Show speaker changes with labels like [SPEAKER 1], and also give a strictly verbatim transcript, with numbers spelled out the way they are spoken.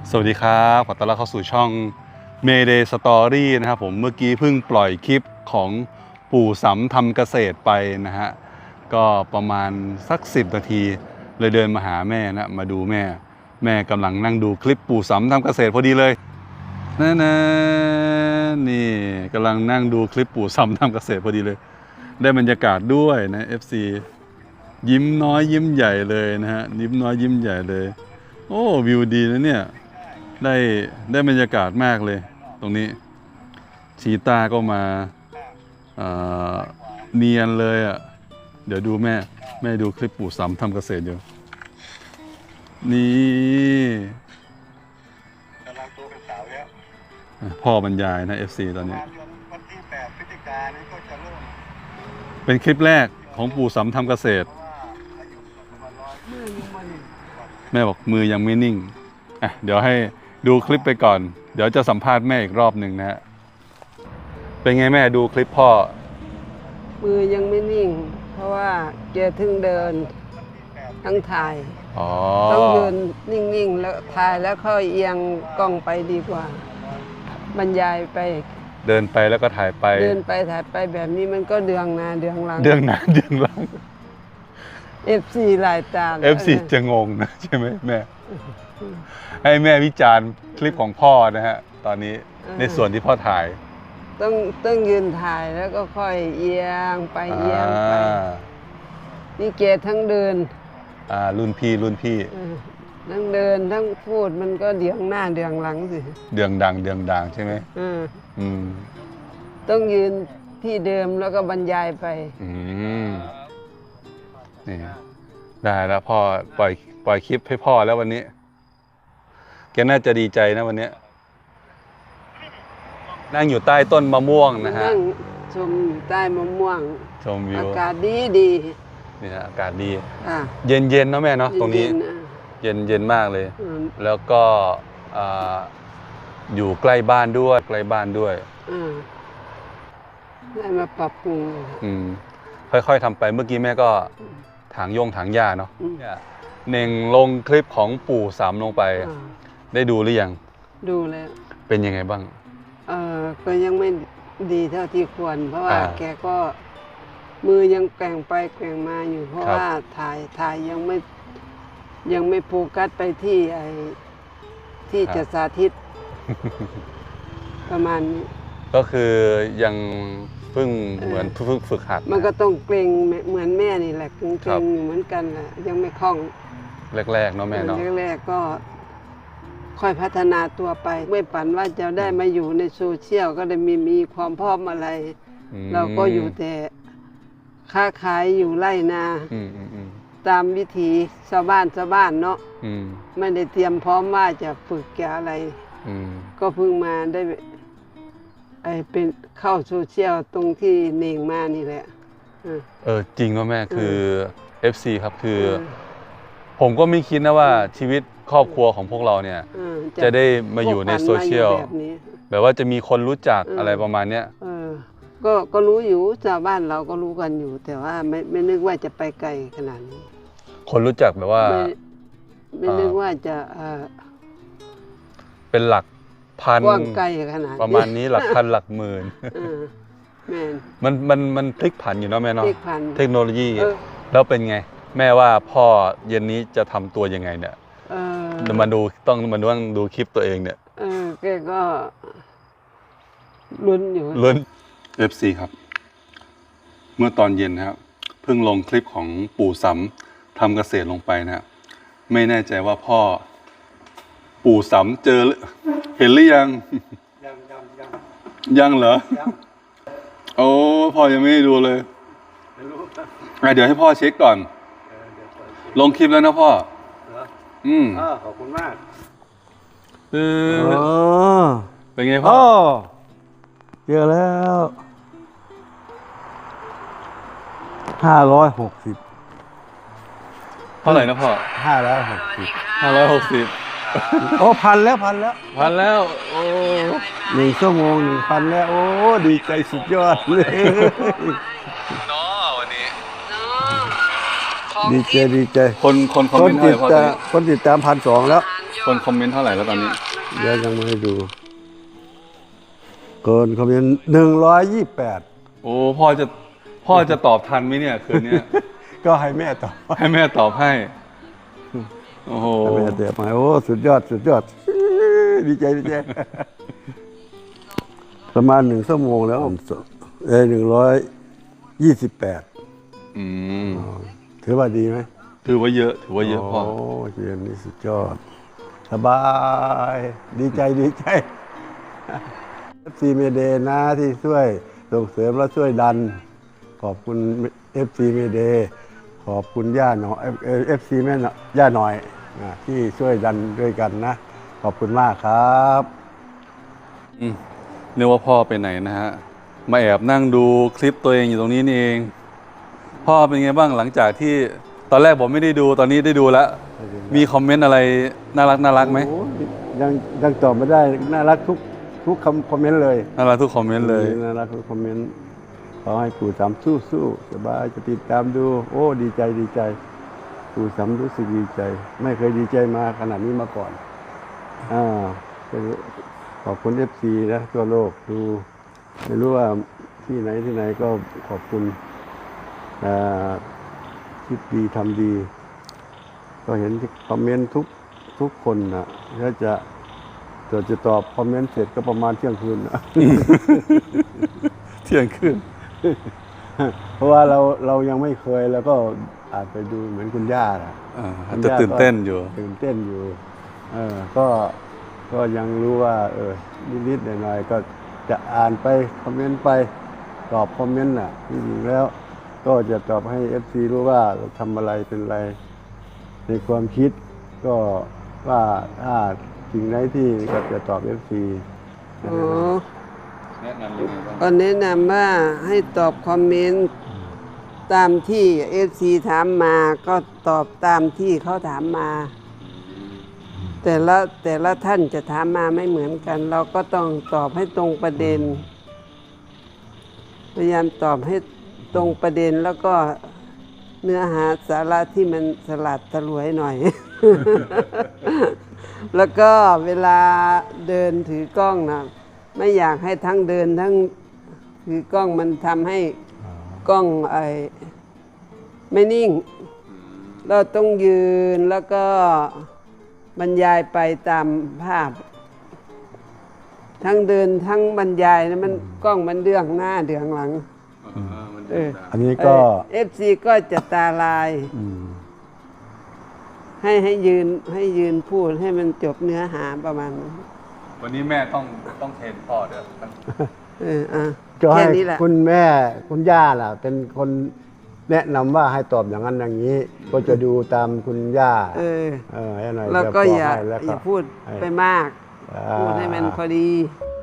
[SPEAKER 1] สวัสดีครับขอต้อนรับเข้าสู่ช่อง Mayday Story นะครับผมเมื่อกี้เพิ่งปล่อยคลิปของปู่สำทำเกษตรไปนะฮะก็ประมาณสักสิบนาทีเลยเดินมาหาแม่นะมาดูแม่แม่กำลังนั่งดูคลิปปู่สำทำเกษตรพอดีเลยนั่นนะนี่กำลังนั่งดูคลิปปู่สำทำเกษตรพอดีเลยได้บรรยากาศด้วยนะ เอฟ ซี ยิ้มน้อยยิ้มใหญ่เลยนะฮะยิ้มน้อยยิ้มใหญ่เลยโอ้วิวดีนะเนี่ยได้ได้บรรยากาศมากเลยตรงนี้ชีต้าก็มาเอ่อเนียนเลยอ่ะเดี๋ยวดูแม่แม่ดูคลิปปู่สำทำเกษตรอยู่นี่กำลังโตเป็นสาวแล้วพ่อบรรยายนะ เอฟ ซี ตอนนี้วันที่แปดพฤศจิกายนนี้ก็จะเริ่มเป็นคลิปแรกของปู่สำทำเกษตรแม่บอกมือยังไม่นิ่งอ่ะเดี๋ยวให้ดูคลิปไปก่อนเดี๋ยวจะสัมภาษณ์แม่อีกรอบหนึ่งนะฮะเป็นไงแม่ดูคลิปพ่อ
[SPEAKER 2] มือยังไม่นิ่งเพราะว่าแกถึงเดินทั้งถ่ายต้องยืนนิ่งๆแล้วถ่ายแล้วค่อยเอียงกล้องไปดีกว่าบรรยายไป
[SPEAKER 1] เดินไปแล้วก็ถ่ายไป
[SPEAKER 2] เดินไปถ่ายไปแบบนี้มันก็เดืองหน้าเดืองหลัง
[SPEAKER 1] เดืองหน้าเดืองหลัง
[SPEAKER 2] เอฟ ซี หลายตา
[SPEAKER 1] เอฟ ซี จะงงนะใช่ไหมแม่ให้แม่วิจารณ์คลิปของพ่อนะฮะตอนนี้ในส่วนที่พ่อถ่าย
[SPEAKER 2] ต้องต้องยืนถ่ายแล้วก็ค่อยเอียงไปเอียงไปนี่เกดทั้งเดิน
[SPEAKER 1] อ่ารุ่นพี่รุ่นพี่
[SPEAKER 2] ทั้งเดินทั้งพูดมันก็เดืองหน้าเดืองหลังสิ
[SPEAKER 1] เดืองดังเดืองดังใช่ไหม
[SPEAKER 2] อืม
[SPEAKER 1] อืม
[SPEAKER 2] ต้องยืนที่เดิมแล้วก็บรรยายไป
[SPEAKER 1] อืมนี่ได้แล้วพ่อปล่อยปล่อยคลิปให้พ่อแล้ววันนี้แกน่าจะดีใจนะวันนี้นั่งอยู่ใต้ต้นมะม่วงนะฮะ
[SPEAKER 2] นั่งชมใต้มะม่วง
[SPEAKER 1] ชมวิว
[SPEAKER 2] อากาศดีดี
[SPEAKER 1] นี่ฮะอากาศดีเย็นเย็นเนาะแม่เนาะตรงนี้เย็นเย็นมากเลยแล้วก็อยู่ใกล้บ้านด้วยใกล้บ้านด้วย
[SPEAKER 2] ได้มาปรับปรุง
[SPEAKER 1] อืมค่อยๆทำไปเมื่อกี้แม่ก็ถางโยงถางหญ้าเนาะเน่งลงคลิปของปู่สำลงไปได้ดูหรือยัง
[SPEAKER 2] ดูแล้ว
[SPEAKER 1] เป็นยังไงบ้าง
[SPEAKER 2] เออก็ยังไม่ดีเท่าที่ควรเพราะว่าแกก็มือยังแกว่งไปแกว่งมาอยู่เพราะว่าถ่ายถ่ายยังไม่ยังไม่โฟกัสไปที่ไอ้ที่จะสาธิตประมาณนี้
[SPEAKER 1] ก็คือยังเพิ่งเหมือนเพิ่งฝึกหัด
[SPEAKER 2] มันก็ต้องเกรงเหมือนแม่นี่แหละเกรงเหมือนกันแหละยังไม่คล่อง
[SPEAKER 1] แรกๆเนาะแม่เนาะ
[SPEAKER 2] แรกๆก็ค่อยพัฒนาตัวไปไม่ฝันว่าจะได้มาอยู่ในโซเชียลก็ได้มีมีความพร้อมอะไรเราก็อยู่แต่ค้าขายอยู่ไร่นาตามวิถีชาวบ้านชาวบ้านเนาะไม่ได้เตรียมพร้อมว่าจะฝึกแกอะไรก็เพิ่งมาได้ไอเป็นเข้าโซเชียลตรงที่เน่งมานี่แหละ
[SPEAKER 1] เออจริงว่าแม่คือ เอฟ ซี ครับคือผมก็ไม่คิดนะว่าชีวิตครอบครัวของพวกเราเนี่ยจะได้มาอยู่ในโซเชียลแบบว่าจะมีคนรู้จักอะไรประมาณเนี้ย
[SPEAKER 2] ก็ก็รู้อยู่ชาวบ้านเราก็รู้กันอยู่แต่ว่าไม่ไม่นึกว่าจะไปไกลขนาดนี้
[SPEAKER 1] คนรู้จักแบบว่า
[SPEAKER 2] ไม่นึกว่าจะ
[SPEAKER 1] เป็นหลักพัน
[SPEAKER 2] กว้างไกลขนาด
[SPEAKER 1] ประมาณนี้หลักพันหลักหมื่นมันมันมันพลิกผันอยู่เนาะแม่เนาะเทคโนโลยีแล้วเป็นไงแม่ว่าพ่อเย็นนี้จะทำตัวยังไงเนี่ยมาดูต้องมาดูดูคลิปตัวเองเนี่ย
[SPEAKER 2] เออแกก็ลุ้นอยู่
[SPEAKER 1] ลุ้น เอฟ ซี ครับเมื่อตอนเย็นนะครับเพิ่งลงคลิปของปู่สำทำเกษตรลงไปนะไม่แน่ใจว่าพ่อปู่สำเจอเห็นหรือยังยังยังยังยังเหรอโอ้พ่อยังไม่ได้ดูเลยเดี๋ยวให้พ่อเช็คก่อนลงคลิปแล้วนะพ่ออืม
[SPEAKER 3] ขอบคุณมาก
[SPEAKER 1] เออเป็นไงพ่อ
[SPEAKER 3] เจอแล้วห้าร้อยหกสิบ
[SPEAKER 1] เท่าไหร่นะพ่อ
[SPEAKER 3] ห้าร้อยหกสิบ
[SPEAKER 1] ห้าร้อยหกสิบ
[SPEAKER 3] โอ้พันแล้วพันแล้ว
[SPEAKER 1] พันแล้วโอ้
[SPEAKER 3] หนึ่งชั่วโมงหนึ่งพันแล้วโอ้ดีใจสุดยอดเลย
[SPEAKER 1] เนาะวันนี้
[SPEAKER 3] ดีใจดีใจ
[SPEAKER 1] คนคนคอมเมนต์
[SPEAKER 3] คนติดตามคนติดตามพันสองแล้ว
[SPEAKER 2] ย
[SPEAKER 1] คนคอมเมนต์เท่าไหร่แล้วตอนนี้
[SPEAKER 3] เดี๋ยวยังไม่ให้ดูเกินคอมเมนต์หนึ่งร้อยยี่สิบแปด
[SPEAKER 1] โอ้พ่อจะพ่อจะตอบทันไหมเนี่ยคืนเนี้ย
[SPEAKER 3] ก็ให้แม่ตอบ
[SPEAKER 1] ให้แม่ตอบให้ โอ้โห
[SPEAKER 3] ให้แม่เตะมาโอ้สุดยอดสุดยอด ดีใจดีใจ ประมาณหนึ่งชั่วโมงแล้วเออหนึ่งร้อยยี่สิบแปด
[SPEAKER 1] อืม
[SPEAKER 3] ถือว่าดีไหม
[SPEAKER 1] ถือว่าเยอะ ถือว่าเยอะพ่อ
[SPEAKER 3] โอ้เรียนนี่สุดยอด สบาย ดีใจดีใจ เอฟ ซี เมเดนะที่ช่วยส่งเสริมและช่วยดัน ขอบคุณ เอฟ ซี เมเดขอบคุณย่าหน่อย เอฟ ซี แม่หน่อยย่าหน่อยนะที่ช่วยดันด้วยกันนะ ขอบคุณมากครับ
[SPEAKER 1] อืมนึกว่าพ่อไปไหนนะฮะ มาแอบนั่งดูคลิปตัวเองอยู่ตรงนี้นี่เอง พ่อเป็นไงบ้างหลังจากที่ตอนแรกผมไม่ได้ดูตอนนี้ได้ดูแล้ว มีคอมเมนต์อะไรน่ารักน่ารักไหม
[SPEAKER 3] โอ้ยังยังตอบไม่ได้ น่ารักทุกทุกคำคอมเมนต์เลย
[SPEAKER 1] น่ารักทุกคอมเมนต์เลย
[SPEAKER 3] น่ารักทุกคอมเมนต์ขอให้ปู่สามสู้สู้สบายจะติดตามดู โอ้ดีใจดีใจ ปู่สามรู้สึกดีใจ ไม่เคยดีใจมาขนาดนี้มาก่อนอ่าก็ขอบคุณเอฟซีนะทั่วโลกดู ไม่รู้ว่าที่ไหนที่ไหนก็ขอบคุณอ่าคิดดีทำดี ก็เห็นคอมเมนต์ทุกทุกคนนะถ้าจะจะจะตอบคอมเมนต์เสร็จก็ประมาณเที่ยงคืนนะ
[SPEAKER 1] เที่ยงคืน
[SPEAKER 3] เพราะว่าเราเรายังไม่เคยแล้วก็อาจไปดูเหมือนคุณย่านะ
[SPEAKER 1] อ่า
[SPEAKER 3] คุณ
[SPEAKER 1] จะ
[SPEAKER 3] ย่า
[SPEAKER 1] ตื่นเต้นอยู่
[SPEAKER 3] ก็ตื่นเต้นอยู่ เออก็ก็ยังรู้ว่า เออนิดๆหน่อยๆก็จะอ่านไปคอมเมนต์ไปตอบคอมเมนต์น่ะที่จริงแล้ว ก็จะตอบให้ เอฟ ซี รู้ว่าเราทำอะไรเป็นอะไร ในความคิดก็ว่าถ้าสิ่งไหนที่ก็จะตอบ เอฟ ซี
[SPEAKER 2] อ๋อ
[SPEAKER 1] แนะนำยังไงบ้าง
[SPEAKER 2] ก็แนะนำว่าให้ตอบคอมเมนต์ตามที่เอฟซีถามมาก็ตอบตามที่เขาถามมา แต่ละแต่ละท่านจะถามมาไม่เหมือนกัน เราก็ต้องตอบให้ตรงประเด็น พยายามตอบให้ตรงประเด็นแล้วก็เนื้อหาสาระที่มันสลัดสลวยหน่อย แล้วก็เวลาเดินถือกล้องนะไม่อยากให้ทั้งเดินทั้งถือกล้องมันทำให้กล้องไอ้ไม่นิ่ง เราต้องยืนแล้วก็บรรยายไปตามภาพ ทั้งเดินทั้งบรรยายนะมันกล้องมันเดืองหน้าเดืองหลัง เออ
[SPEAKER 3] อันนี้ก็
[SPEAKER 2] เอฟซีก็จะตาลาย
[SPEAKER 3] อืม
[SPEAKER 2] ให้ให้ยืนให้ยืนพูดให้มันจบเนื้อหาประมาณนั้น
[SPEAKER 1] วันนี้แม่ต้องต้องเทรนพ่อด้วย
[SPEAKER 2] เอออ่ะ
[SPEAKER 3] ก็
[SPEAKER 2] แค่
[SPEAKER 3] ให้
[SPEAKER 2] นี้แหละ
[SPEAKER 3] คุณแม่คุณย่าล่ะ เป็นคนแนะนำว่าให้ตอบอย่างนั้นอย่างนี้ ก็จะดูตามคุณย่า
[SPEAKER 2] เออ
[SPEAKER 3] เออให้หน่อย
[SPEAKER 2] แล้วก็
[SPEAKER 3] จะบ
[SPEAKER 2] อย่า
[SPEAKER 3] ให้แล้ว
[SPEAKER 2] อย่าพูดไปมาก
[SPEAKER 3] อ่า
[SPEAKER 2] พูดให้มันพอดี
[SPEAKER 3] อ